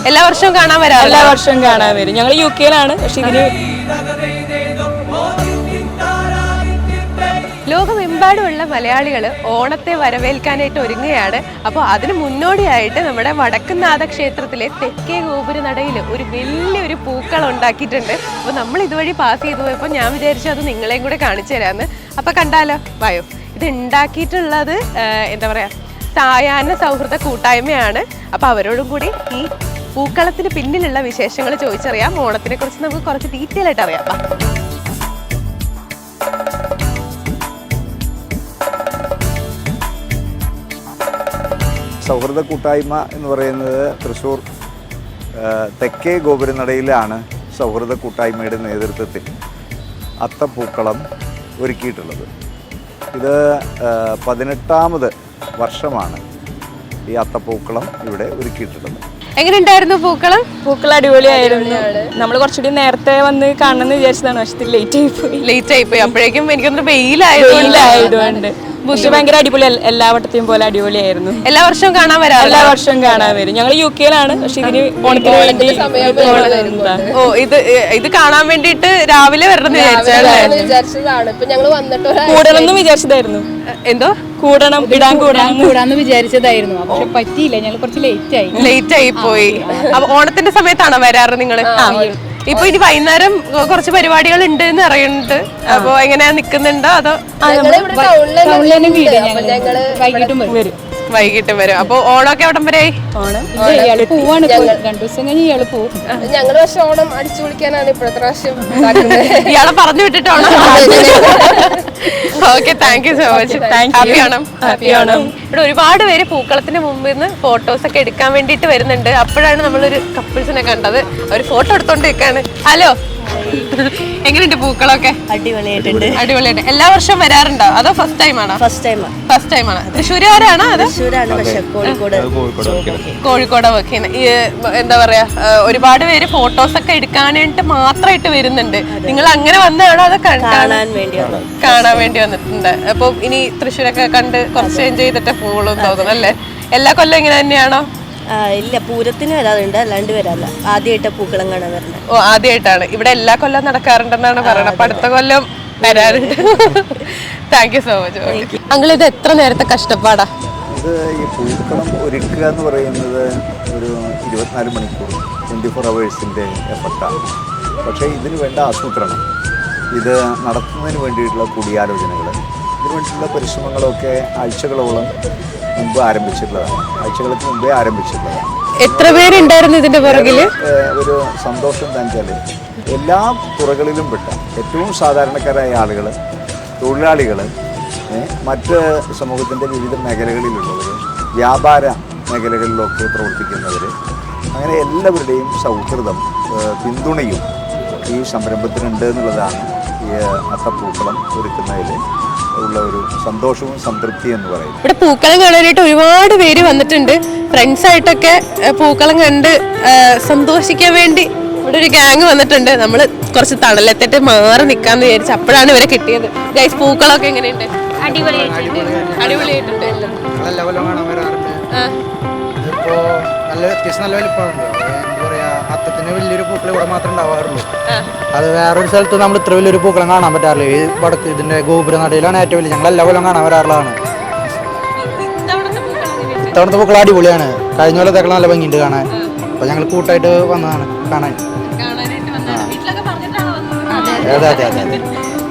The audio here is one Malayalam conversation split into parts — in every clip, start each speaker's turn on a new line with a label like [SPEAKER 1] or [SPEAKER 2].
[SPEAKER 1] എല്ലാ വർഷവും കാണാൻ വരാം?
[SPEAKER 2] എല്ലാ വർഷവും കാണാൻ വരും. ഞങ്ങൾ UK-ലാണ്. പക്ഷെ ഇതിന്
[SPEAKER 1] ലോകമെമ്പാടുമുള്ള മലയാളികൾ ഓണത്തെ വരവേൽക്കാനായിട്ട് ഒരുങ്ങുകയാണ്. അപ്പോൾ അതിന് മുന്നോടിയായിട്ട് നമ്മുടെ വടക്കുംനാഥ ക്ഷേത്രത്തിലെ തെക്കേ ഗോപുരനടയിൽ ഒരു വലിയൊരു പൂക്കളം ഉണ്ടാക്കിയിട്ടുണ്ട്. അപ്പോൾ നമ്മൾ ഇതുവഴി പാസ് ചെയ്തു പോയപ്പോൾ ഞാൻ വിചാരിച്ചു അത് നിങ്ങളെയും കൂടെ കാണിച്ചു തരാമെന്ന്. അപ്പോൾ കണ്ടാലോ, വായോ. ഇത് ഉണ്ടാക്കിയിട്ടുള്ളത് എന്താ പറയുക, സായാഹ്ന സൗഹൃദ കൂട്ടായ്മയാണ്. അപ്പോൾ അവരോടും കൂടി ഈ പൂക്കളത്തിന് പിന്നിലുള്ള വിശേഷങ്ങൾ ചോദിച്ചറിയാം. ഓണത്തിനെ കുറിച്ച് നമുക്ക് കുറച്ച് ഡീറ്റെയിൽ ആയിട്ട് അറിയാം.
[SPEAKER 3] സൗഹൃദ കൂട്ടായ്മ എന്ന് പറയുന്നത് തൃശ്ശൂർ തെക്കേ ഗോപുരനടയിലാണ് സൗഹൃദ കൂട്ടായ്മയുടെ നേതൃത്വത്തിൽ അത്തപ്പൂക്കളം ഒരുക്കിയിട്ടുള്ളത്. ഇത് 18ാമത് വർഷമാണ് ഈ അത്തപ്പൂക്കളം ഇവിടെ ഒരുക്കിയിട്ടുള്ളത്.
[SPEAKER 1] എങ്ങനെയുണ്ടായിരുന്നു പൂക്കളം?
[SPEAKER 2] പൂക്കളം അടിപൊളിയായിരുന്നു. നമ്മൾ കുറച്ചുകൂടി നേരത്തെ വന്ന് കാണണമെന്ന് വിചാരിച്ചതാണ്. പക്ഷെ ലേറ്റ് ആയിപ്പോയി.
[SPEAKER 1] അപ്പോഴേക്കും എനിക്കൊന്നും വെയിലായതുകൊണ്ട്
[SPEAKER 2] പക്ഷെ ഭയങ്കര അടിപൊളി, എല്ലാ വട്ടത്തെയും പോലെ അടിപൊളിയായിരുന്നു.
[SPEAKER 1] എല്ലാ വർഷവും കാണാൻ വരാം?
[SPEAKER 2] എല്ലാ വർഷവും കാണാൻ വരും. ഞങ്ങൾ UK-ലാണ്. പക്ഷെ ഇതിന് ഓണത്തിന് വേണ്ടി
[SPEAKER 1] ഇത് കാണാൻ വേണ്ടിട്ട് രാവിലെ വരണം
[SPEAKER 4] വിചാരിച്ചതാണ്. ഇപ്പൊ ഞങ്ങൾ വന്നിട്ട്
[SPEAKER 2] കൂടണമെന്ന് വിചാരിച്ചതായിരുന്നു.
[SPEAKER 1] എന്തോ
[SPEAKER 4] കൂടാന്ന് വിചാരിച്ചതായിരുന്നു. പക്ഷെ പറ്റിയില്ല, ഞങ്ങൾ കുറച്ച് ലേറ്റ് ആയി
[SPEAKER 1] പോയി. അപ്പൊ ഓണത്തിന്റെ സമയത്താണോ വരാറ് നിങ്ങള്? ഇപ്പൊ ഇനി വൈകുന്നേരം കുറച്ച് പരിപാടികൾ ഉണ്ട് എന്ന് അറിയുന്നുണ്ട്. അപ്പൊ എങ്ങനെയാ നിക്കുന്നുണ്ടോ അതോ? വൈകിട്ടും വരും. അപ്പൊ ഓണമൊക്കെ എവിടം വരെ ആയി?
[SPEAKER 4] ഞങ്ങള് പക്ഷെ ഓണം അടിച്ചു വിളിക്കാനാണ് ഇപ്പോഴത്തെ പ്രാവശ്യം.
[SPEAKER 1] ഇയാളെ പറഞ്ഞു വിട്ടിട്ടാണോ? Okay, thank you so much. Happy Onam. ഇവിടെ ഒരുപാട് പേര് പൂക്കളത്തിന് മുമ്പിൽ നിന്ന് ഫോട്ടോസ് ഒക്കെ എടുക്കാൻ വേണ്ടിട്ട് വരുന്നുണ്ട്. അപ്പോഴാണ് നമ്മളൊരു കപ്പിൾസിനെ കണ്ടത്. അവർ ഫോട്ടോ എടുത്തോണ്ട് നിൽക്കാണ്. ഹലോ, എങ്ങനെയുണ്ട് പൂക്കളൊക്കെ? അടിപൊളിയായിട്ട്. എല്ലാ വർഷവും വരാറുണ്ടോ അതോ ഫസ്റ്റ് ടൈം ആണോ? ഫസ്റ്റ് ടൈം ആണ്. തൃശ്ശൂരുകാരാണോ? അത് കോഴിക്കോട് വർക്ക് ചെയ്യുന്ന. എന്താ പറയാ, ഒരുപാട് പേര് ഫോട്ടോസ് ഒക്കെ എടുക്കാനായിട്ട് മാത്രമായിട്ട് വരുന്നുണ്ട്. നിങ്ങൾ അങ്ങനെ വന്നതാണോ അതോ കാണാൻ വേണ്ടി വന്നിട്ടുണ്ട്? അപ്പൊ ഇനി തൃശ്ശൂരൊക്കെ കണ്ട് കുറച്ച് എൻജോയ് ചെയ്തിട്ട് പോകുള്ളൂ തോന്നുന്നു അല്ലേ? എല്ലാ കൊല്ലം ഇങ്ങനെ തന്നെയാണോ?
[SPEAKER 5] ഇല്ല, പൂരത്തിന് വരാറുണ്ട്, അല്ലാണ്ട് വരാറില്ല. ആദ്യമായിട്ട് പൂക്കളം കാണാൻ വരുന്നത്.
[SPEAKER 1] ഓ, ആദ്യമായിട്ടാണ്. ഇവിടെ എല്ലാ കൊല്ലം നടക്കാറുണ്ടെന്നാണ് പറയുന്നത്. അപ്പൊ അടുത്ത കൊല്ലം വരാറുണ്ട്. Thank you so much. Uncle, ഇത് എത്ര നേരത്തെ കഷ്ടപ്പാടാ?
[SPEAKER 3] ഇത് ഈ പൂക്കളം ഒരുക്കുക എന്ന് പറയുന്നത് ഒരു 24 മണിക്കൂർ 24 hours എഫർട്ടാണ്. പക്ഷേ ഇതിന് വേണ്ട ആസൂത്രണം, ഇത് നടത്തുന്നതിന് വേണ്ടിയിട്ടുള്ള കൂടിയാലോചനകൾ, ഇതിനു വേണ്ടിയിട്ടുള്ള പരിശ്രമങ്ങളൊക്കെ ആഴ്ചകളോളം മുമ്പ് ആരംഭിച്ചിട്ടുള്ളതാണ്. ആഴ്ചകൾക്ക് മുമ്പേ ആരംഭിച്ചിട്ടുള്ളതാണ്.
[SPEAKER 1] എത്ര പേരുണ്ടായിരുന്നു ഇതിന്റെ പുറകിൽ?
[SPEAKER 3] ഒരു സന്തോഷം എന്താണെന്ന് വെച്ചാൽ എല്ലാ തുറകളിലും പെട്ട ഏറ്റവും സാധാരണക്കാരായ ആളുകൾ, തൊഴിലാളികൾ, മറ്റ് സമൂഹത്തിൻ്റെ വിവിധ മേഖലകളിലുള്ളവർ, വ്യാപാര മേഖലകളിലൊക്കെ പ്രവർത്തിക്കുന്നവർ, അങ്ങനെ എല്ലാവരുടെയും സൗഹൃദം, പിന്തുണയും ഈ സംരംഭത്തിനുണ്ട് എന്നുള്ളതാണ് ഈ അത്തപ്പൂക്കളം ഒരുക്കുന്നതിൽ ഉള്ള ഒരു സന്തോഷവും സംതൃപ്തി എന്ന് പറയും.
[SPEAKER 1] ഇവിടെ പൂക്കളം കാണാനായിട്ട് ഒരുപാട് പേര് വന്നിട്ടുണ്ട്. ഫ്രണ്ട്സ് ആയിട്ടൊക്കെ പൂക്കളം കണ്ട് സന്തോഷിക്കാൻ വേണ്ടി ഇവിടെ ഒരു ഗ്യാങ് വന്നിട്ടുണ്ട്. നമ്മൾ കുറച്ച് തണലത്തിട്ട് മാറി നിൽക്കാന്ന് വിചാരിച്ചു. അപ്പോഴാണ് ഇവരെ കിട്ടിയത്. ഗൈസ്, പൂക്കളമൊക്കെ എങ്ങനെയുണ്ട്? അടിപൊളിയായിട്ടുണ്ട്.
[SPEAKER 6] അത്തത്തിന് വലിയൊരു പൂക്കൾ ഇവിടെ മാത്രമേ ഉണ്ടാവാറുള്ളൂ. അത് വേറൊരു സ്ഥലത്ത് നമ്മൾ ഇത്ര വലിയൊരു പൂക്കളം കാണാൻ പറ്റാറില്ല. ഈ വടക്ക് ഇതിന്റെ ഗോപുരനടയിലാണ് ഏറ്റവും വലിയ. ഞങ്ങൾ എല്ലാ കൊല്ലം കാണാൻ വരാറുള്ളതാണ്. ഇത്തവണത്തെ പൂക്കളം അടിപൊളിയാണ്. കഴിഞ്ഞ കൊല്ലത്തേക്കാൾ നല്ല ഭംഗിയുണ്ട് കാണാൻ. അപ്പൊ ഞങ്ങൾ കൂട്ടായിട്ട് വന്നതാണ് കാണാൻ. അതെ അതെ അതെ അതെ.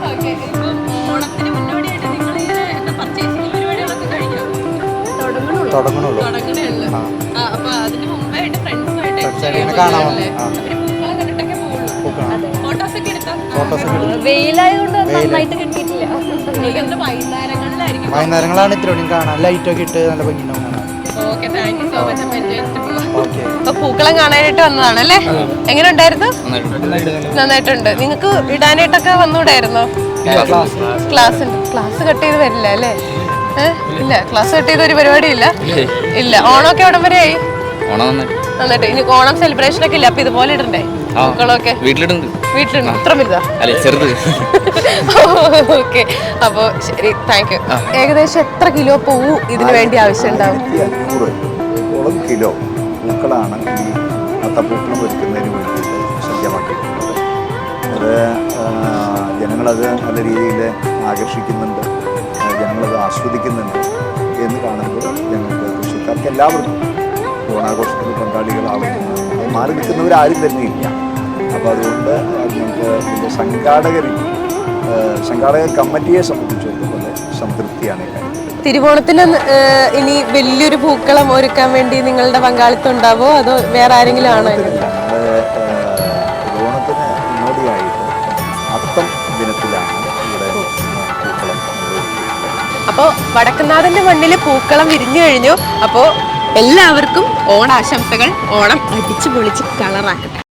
[SPEAKER 6] തുടങ്ങണുള്ളൂ. വൈകുന്നേരങ്ങളാണ് ഇത്രയും കാണാൻ. ലൈറ്റൊക്കെ ഇട്ട് നല്ല ഭംഗിയുണ്ടാവും.
[SPEAKER 1] പൂക്കളം കാണാനായിട്ട് വന്നതാണല്ലേ? എങ്ങനെ ഉണ്ടായിരുന്നു? നന്നായിട്ടുണ്ട്. നിങ്ങൾക്ക് ഇടാനായിട്ടൊക്കെ വന്നൂടായിരുന്നോ? ക്ലാസ് കട്ട് ചെയ്ത് വരില്ല അല്ലേ? ഇല്ല, ക്ലാസ് കട്ട് ചെയ്ത ഒരു പരിപാടി ഇല്ല. ഓണമൊക്കെ എവിടം വരെ ആയി? നന്നായിട്ട്. ഇനി ഓണം സെലിബ്രേഷൻ ഒക്കെ ഇല്ല? അപ്പൊ ഇതുപോലെ ഇടണ്ടേ പൂക്കളൊക്കെ? വീട്ടിലുണ്ട്. ഇത്ര വലുതാ? ഓക്കെ, അപ്പൊ ശരി, താങ്ക് യു. ഏകദേശം എത്ര കിലോ പൂവ് ഇതിനു വേണ്ടി ആവശ്യം ഉണ്ടാവും?
[SPEAKER 3] 1500 കിലോ പൂക്കളാണ് ഈ വട്ടപ്പൂക്കളം ഒരുക്കുന്നതിന് വേണ്ടിയിട്ട് സജ്ജമാക്കിയിട്ടുള്ളത്. അത് ജനങ്ങളത് നല്ല രീതിയിൽ ആകർഷിക്കുന്നുണ്ട്, ജനങ്ങളത് ആസ്വദിക്കുന്നുണ്ട് എന്ന് കാണുമ്പോൾ ഞങ്ങൾക്ക് തൃശ്ശൂർക്കാർക്ക് എല്ലാവർക്കും ഓണാഘോഷത്തിൽ പങ്കാളികളാവുന്നു. അത് മാറി നിൽക്കുന്നവരാരും തന്നെയില്ല. അപ്പോൾ അതുകൊണ്ട് ഞങ്ങൾക്ക് ഇതിൻ്റെ സംഘാടക കമ്മിറ്റിയെ സംബന്ധിച്ചിടത്തോളം സംതൃപ്തിയാണ് ഈ കാര്യം.
[SPEAKER 1] തിരുവോണത്തിന് ഇനി വലിയൊരു പൂക്കളം ഒരുക്കാൻ വേണ്ടി നിങ്ങളുടെ പങ്കാളിത്തം ഉണ്ടാവോ അതോ വേറെ ആരെങ്കിലും ആണോ?
[SPEAKER 3] തിരുവോണത്തിന് മുന്നോടിയായിട്ട് അത്തം ദിനത്തിലാണ് ഇവിടെ പൂക്കളം.
[SPEAKER 1] അപ്പോൾ വടക്കുന്നാഥന്റെ മണ്ണിൽ പൂക്കളം വിരിഞ്ഞു കഴിഞ്ഞു. അപ്പോൾ എല്ലാവർക്കും ഓണാശംസകൾ. ഓണം അടിച്ചു പൊളിച്ച് കളറാക്കട്ടെ.